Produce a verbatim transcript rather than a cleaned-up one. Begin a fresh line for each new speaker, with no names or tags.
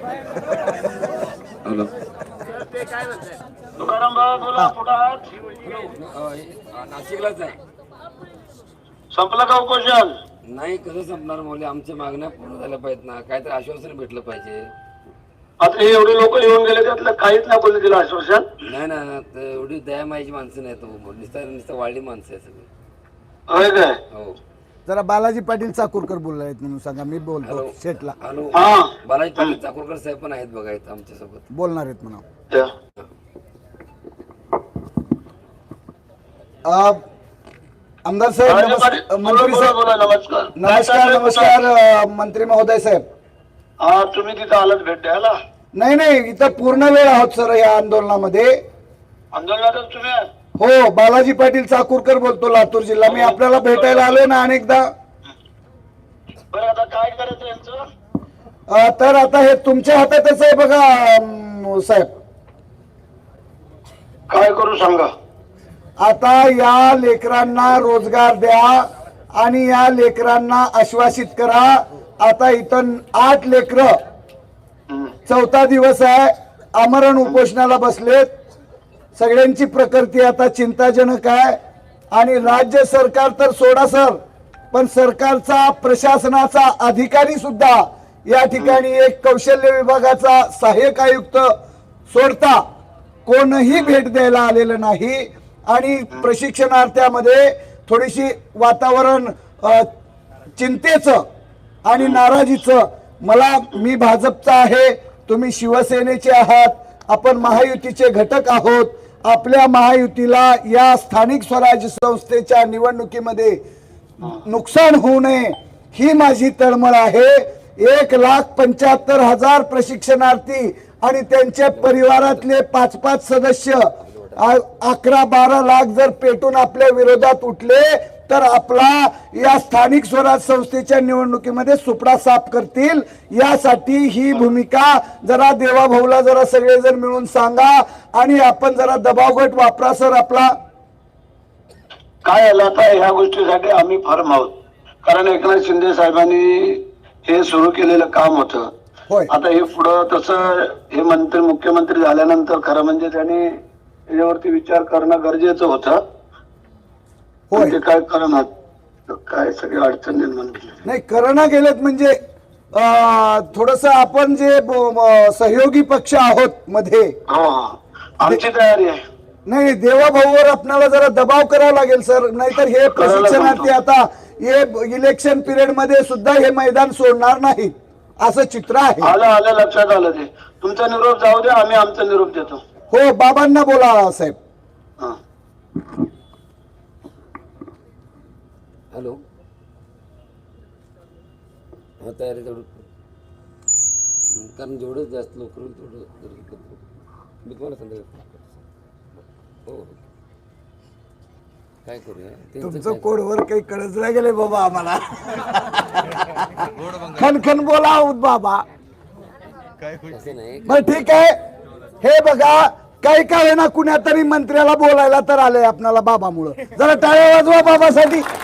Hello
Tukaram भाऊ बोला कुठं आहात?
नाशिकलाच आहे.
संपलं का उपोषण?
नाही कसं संपणार मुले, आमच्या मागण्या पूर्ण झाल्या पाहिजेत ना, काहीतरी आश्वासन भेटलं पाहिजे.
आता हे एवढे लोक येऊन गेले त्यातलं काहीच नाही बोलले दिलं आश्वासन.
नाही ना, एवढी दयामायची माणसं नाही, तो नुसतं नुसतं वाढली माणसं आहे सगळी.
होय काय?
हो.
जरा बालाजी पाटील चाकूरकर बोलले आहेत म्हणून सांगा, मी बोलतो
हॅलो
शेटला.
हॅलो
हा
बालाजी पाटील चाकूरकर साहेब पण आहेत बघा इथं आमच्या सोबत,
बोलणार आहेत म्हणा.
त्या.
अ, आमदार साहेब
राजे
नमस्-
पाटील, बोला,
मंत्री
बोला,
साहेब
बोला, नमस्कार
नमस्कार नमस्कार अ, मंत्री महोदय साहेब.
हा तुम्ही तिथं आलात भेट द्यायला?
नाही नाही, इथं पूर्ण वेळ आहोत सर या आंदोलनामध्ये.
आंदोलनातच तुम्ही आहात?
हो, बालाजी पाटील चाकूरकर बोलतो, लातूर जिल्हा. मी आपल्याला भेटायला आलोय ना अनेकदा.
बरं आता काय करायचं यांचं?
अ, तर आता हे तुमच्या हातातच आहे बघा अम, साहेब.
काय करू सांगा.
आता या लेकरांना रोजगार द्या आणि या लेकरांना आश्वासित करा. आता इथं आठ लेकरं,
हम्म.
चौथा दिवस आहे, आमरण उपोषणाला बसलेत. सगळ्यांची प्रकृती आता चिंताजनक आहे. आणि राज्य सरकार तर सोडा सर, पण सरकारचा प्रशासनाचा अधिकारी सुद्धा या ठिकाणी एक कौशल्य विभागाचा सहाय्यक आयुक्त सोडता कोणही भेट द्यायला आलेलं नाही. आणि प्रशिक्षणार्थ्यामध्ये थोडीशी वातावरण अ, चिंतेचं आणि नाराजीचं. मला, मी भाजपचा आहे, तुम्ही शिवसेनेचे आहात, आपण महायुतीचे घटक आहोत. आपल्या महायुतीला या स्थानिक स्वराज्य संस्थेच्या निवडणुकीमध्ये नुकसान होऊ नये ही माझी तळमळ आहे. एक लाख पंच्याहत्तर हजार प्रशिक्षणार्थी आणि त्यांच्या परिवारातले पाच पाच सदस्य, अकरा बारा लाख जर पेटून आपल्या विरोधात उठले तर आपला या स्थानिक स्वराज्य संस्थेच्या निवडणुकीमध्ये सुपडा साफ करतील. यासाठी ही भूमिका जरा देवाभाऊला जरा सगळेजण मिळून सांगा आणि आपण जरा दबावगट वापरा सर आपला.
काय आलं आता ह्या गोष्टीसाठी आम्ही फर्म आहोत, कारण एकनाथ शिंदे साहेबांनी हे सुरू केलेलं काम होतं.
होय.
आता हे पुढं तसं हे मंत्री मुख्यमंत्री झाल्यानंतर खरं म्हणजे त्यांनी याच्यावरती विचार करणं गरजेचं होतं.
होय.
ते काय करणार, काय सगळी अडचण निर्माण केली.
नाही, करोना गेलेत म्हणजे थोडस आपण जे ब- म- सहयोगी पक्ष आहोत मध्ये,
हो हो, आमची तयारी आहे.
नाही देवाभाऊवर आपल्याला जरा दबाव करावा लागेल सर, नाहीतर हे प्रशिक्षणार्थी आता हे इलेक्शन पिरियड मध्ये सुद्धा हे मैदान सोडणार नाहीत असं चित्र आहे.
आलं आलं लक्षात आलं. ते तुमचा निरोप जाऊ द्या, आम्ही आमचा निरोप देतो.
हो, बाबांना बोला साहेब.
हा.
हॅलो हा तयारी तेवढं, कारण जेवढं जास्त लोक होईल तेवढं जरूर करतो मी तुम्हाला संध्याकाळी. हो हो, काय करूया
तुमचं कोडवर काही कळत नाही गेले बाबा आम्हाला. खनखन बोला आहोत बाबा.
असं नाही.
बर ठीक आहे, हे बघा काही काय ना कुण्या तरी मंत्र्याला बोलायला तर आलंय आपल्याला बाबामुळं. जरा टाळ्या वाजवा बाबासाठी.